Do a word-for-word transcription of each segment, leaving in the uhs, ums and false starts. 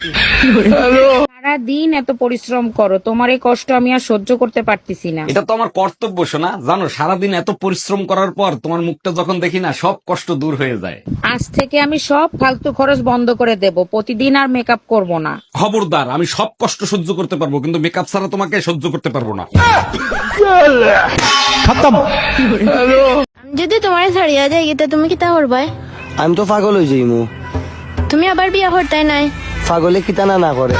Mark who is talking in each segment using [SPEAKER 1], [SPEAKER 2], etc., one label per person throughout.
[SPEAKER 1] সারা দিন এত পরিশ্রম করো, তোমার এই কষ্ট আমি আর সহ্য করতে পারতেছি না।
[SPEAKER 2] এটা তো আমার কর্তব্য শোনা। জানো, সারাদিন এত পরিশ্রম করার পর তোমার মুখটা যখন দেখি না, সব কষ্ট দূর হয়ে যায়।
[SPEAKER 1] আজ থেকে আমি সব ফালতু খরচ বন্ধ করে দেব, প্রতিদিন আর মেকআপ করব না।
[SPEAKER 2] খবরদার, আমি সব কষ্ট সহ্য করতে পারবো, কিন্তু মেকআপ ছাড়া তোমাকে সহ্য করতে পারবো না।
[SPEAKER 3] যদি তোমার ছাড়িয়া যায় গীতা, তুমি কি তা করবে?
[SPEAKER 4] আমি তো পাগল হয়ে যাইমু।
[SPEAKER 3] তুমি আবার বিয়া করতে নাই?
[SPEAKER 4] পাগলে কিতানা না করে।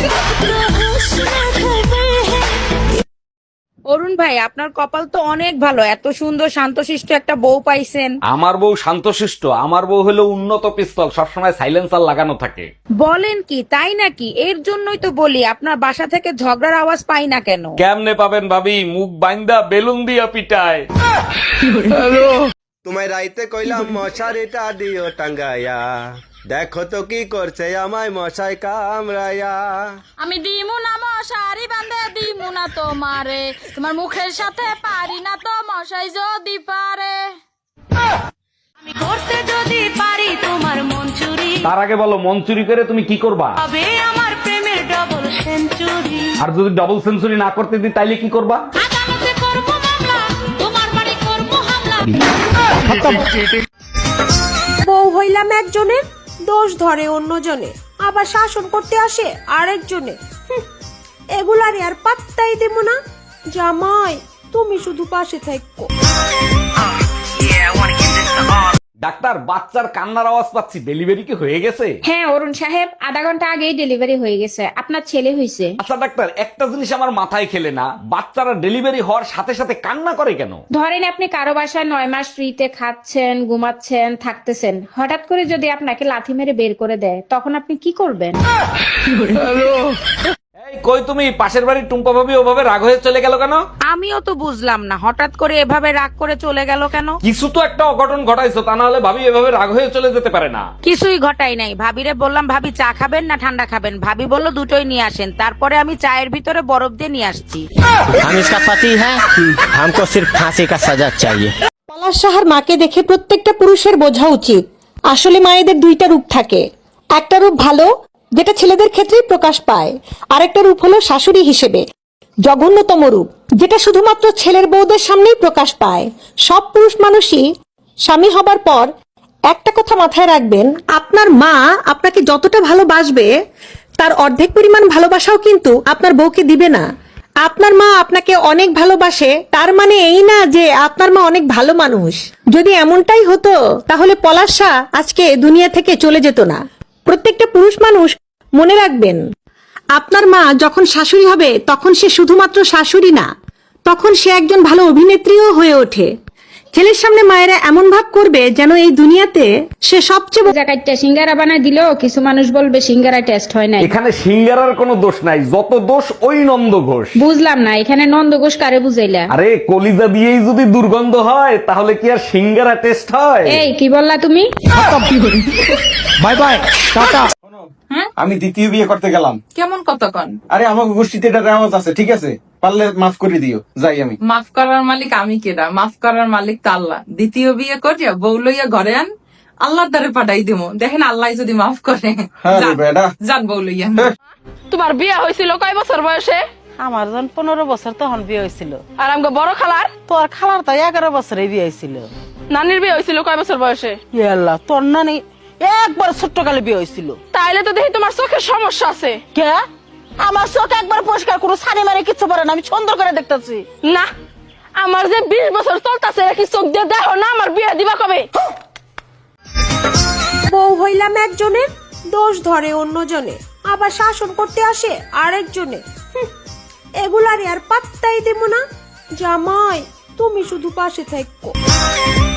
[SPEAKER 1] অরুণ ভাই, আপনার কপাল তো অনেক ভালো, এত সুন্দর শান্তশিষ্ট একটা বউ পাইছেন।
[SPEAKER 2] আমার বউ শান্তশিষ্ট? আমার বউ হলো উন্নত পিস্তল, সবসময় সাইলেন্সার লাগানো থাকে।
[SPEAKER 1] বলেন কি, তাই নাকি? এর জন্যই তো বলি আপনার বাসা থেকে ঝগড়ার আওয়াজ পাই না কেন।
[SPEAKER 2] কেমনে পাবেন ভাবি, মুখ বাইন্দা বেলুন দিয়া পিটায়।
[SPEAKER 4] তোমায় রাইতে কইলাম মশারিটা দিও টাঙ্গাইয়া, দেখো তো কি করছে আমায় মশাই কামড়াইয়া।
[SPEAKER 5] আমি দিমু না মশারি বান্ধে দিমু না তোমারে, তোমার মুখের সাথে পারি না তো মশাই যদি পারে। আমি করতে যদি পারি তোমার মন চুরি,
[SPEAKER 2] তার আগে বলো, মন চুরি করে তুমি কি করবা?
[SPEAKER 5] তবে আমার প্রেমের ডবল সেঞ্চুরি।
[SPEAKER 2] আর যদি ডাবল সেঞ্চুরি না করতে দিই তাইলে কি করবা?
[SPEAKER 5] আদালতে করবো মামলা, তোমার বাড়ি করবো হামলা।
[SPEAKER 6] বউ হইলাম একজনের, দোষ ধরে অন্যজনে, আবার শাসন করতে আসে আরেকজনে। হুঁ, এগুলারে আর পাত্তাই দেব না। জামাই, তুমি শুধু পাশে থাকো।
[SPEAKER 2] ডাক্তার, বাচ্চার কান্নার আওয়াজ পাচ্ছি, ডেলিভারি কি হয়ে গেছে?
[SPEAKER 7] হ্যাঁ অরুণ সাহেব, আধা ঘন্টা আগেই ডেলিভারি হয়ে গেছে, আপনার ছেলে হয়েছে।
[SPEAKER 2] আচ্ছা ডাক্তার, একটা জিনিস আমার মাথায় খেলে না, বাচ্চারা ডেলিভারি হওয়ার সাথে সাথে কান্না করে কেন?
[SPEAKER 7] ধরেন আপনি কারো বাসায় নয় মাস ফ্রিতে খাচ্ছেন, ঘুমাচ্ছেন, থাকতেছেন, হঠাৎ করে যদি আপনাকে লাথি মেরে বের করে দেয়, তখন আপনি কি করবেন?
[SPEAKER 2] এই কই তুমি, পাশের বাড়ির টুম্পা ভাবি ওভাবে রাগ হয়ে চলে গেল কেন?
[SPEAKER 1] আমিও তো বুঝলাম না, হঠাৎ করে এভাবে রাগ করে চলে গেল কেন।
[SPEAKER 2] কিছু তো একটা অঘটন ঘটাইছো, তা না হলে ভাবি এভাবে রাগ হয়ে চলে যেতে পারে না।
[SPEAKER 1] কিছুই ঘটাই নাই, ভাবিরে বললাম ভাবি চা খাবেন না ঠান্ডা খাবেন, ভাবি বলল দুটোই নিয়ে আসেন, তারপরে আমি চায়ের ভিতরে বরফ দিয়ে নিয়ে আসছি।
[SPEAKER 4] हम इसका पति है, हमको सिर्फ फांसी का सजा चाहिए।
[SPEAKER 6] পলাশ সাহার মাকে দেখে প্রত্যেকটা পুরুষের বোঝা উচিত, আসলে মায়েদের দুইটা রূপ থাকে। একটা রূপ ভালো, যেটা ছেলেদের ক্ষেত্রেই প্রকাশ পায়, আরেকটা রূপ হলো শাশুড়ি হিসেবে, জঘন্যতম রূপ, যেটা শুধুমাত্র ছেলের বউদের সামনেই প্রকাশ পায়। সব পুরুষ মানুষই স্বামী হবার পর একটা কথা মাথায় রাখবেন, আপনার মা আপনাকে যতটা ভালোবাসবে তার অর্ধেক পরিমাণ ভালোবাসাও কিন্তু আপনার বউকে দিবে না। আপনার মা আপনাকে অনেক ভালোবাসে, তার মানে এই না যে আপনার মা অনেক ভালো মানুষ। যদি এমনটাই হতো তাহলে পলাশা আজকে দুনিয়া থেকে চলে যেত না। প্রত্যেকটা পুরুষ মানুষ মনে রাখবেন, আপনার মা যখন শাশুড়ি হবে তখন সে শুধুমাত্র শাশুড়ি না, তখন সে একজন ভালো অভিনেত্রীও হয়ে ওঠে। ছেলের সামনে মায়েরা এমন ভাব করবে যেন এই দুনিয়াতে সে সবচেয়ে বড়।
[SPEAKER 7] জায়গাটা সিঙ্গারা বানায় দিলেও কিছু মানুষ বলবে সিঙ্গারা টেস্ট হয় নাই।
[SPEAKER 2] এখানে সিঙ্গারার কোনো দোষ নাই, যত দোষ ওই নন্দ ঘোষ।
[SPEAKER 7] বুঝলাম না, এখানে নন্দ ঘোষ কারে বুঝাইলা?
[SPEAKER 2] আরে কলিজা দিয়েই যদি দুর্গন্ধ হয় তাহলে কি আর সিঙ্গারা টেস্ট হয়?
[SPEAKER 7] এই কি বললা তুমি?
[SPEAKER 8] Bye bye, tata.
[SPEAKER 9] আমি দ্বিতীয় বিয়ে করতে গেলাম।
[SPEAKER 5] কেমন কতক্ষণ?
[SPEAKER 9] আরে আমার গোষ্ঠীতে এটা রেওয়াজ আছে, ঠিক আছে, পারলে মাফ করে দিও, যাই আমি।
[SPEAKER 5] মাফ করার মালিক আমি কেডা? মাফ করার মালিক তো আল্লাহ। দ্বিতীয় বিয়ে করিয়া বউ লইয়া ঘরে আন, আল্লাহর দ্বারে পাঠাই দিব, দেখেন আল্লাহ যদি মাফ করে।
[SPEAKER 9] হ্যাঁ রে বেটা,
[SPEAKER 5] যান বউ লইয়া।
[SPEAKER 10] তোমার বিয়ে হয়েছিল কয় বছর বয়সে?
[SPEAKER 11] আমার যখন পনেরো বছর তখন বিয়ে হয়েছিল।
[SPEAKER 10] আর আমাকে বড় খালার?
[SPEAKER 11] তোর খালার তো এগারো বছরে বিয়ে হয়েছিল।
[SPEAKER 10] নানির বিয়ে হয়েছিল কয় বছর বয়সে?
[SPEAKER 11] আল্লাহ, তোর নানি একবার ছোট্ট কালে বিয়ে হয়েছিল।
[SPEAKER 10] তাইলে তো দেখি তোমার চোখের সমস্যা আছে।
[SPEAKER 11] কে? আমার চোখ একবার পরিষ্কার কোনো সানি মারে কিছু পারে না, আমি সুন্দর করে দেখতেছি।
[SPEAKER 10] না, আমার যে বিশ বছর চলতেছে, কি চোখ দিয়ে দেখো না আমার বিয়ে দিবা কবে?
[SPEAKER 6] বউ হইলাম একজনের, দোষ ধরে অন্যজনে, আবার শাসন করতে আসে আরেকজনে। হুঁ, এগুলারে আর পাত্তাই দেব না। জামাই, তুমি শুধু পাশে থাকো।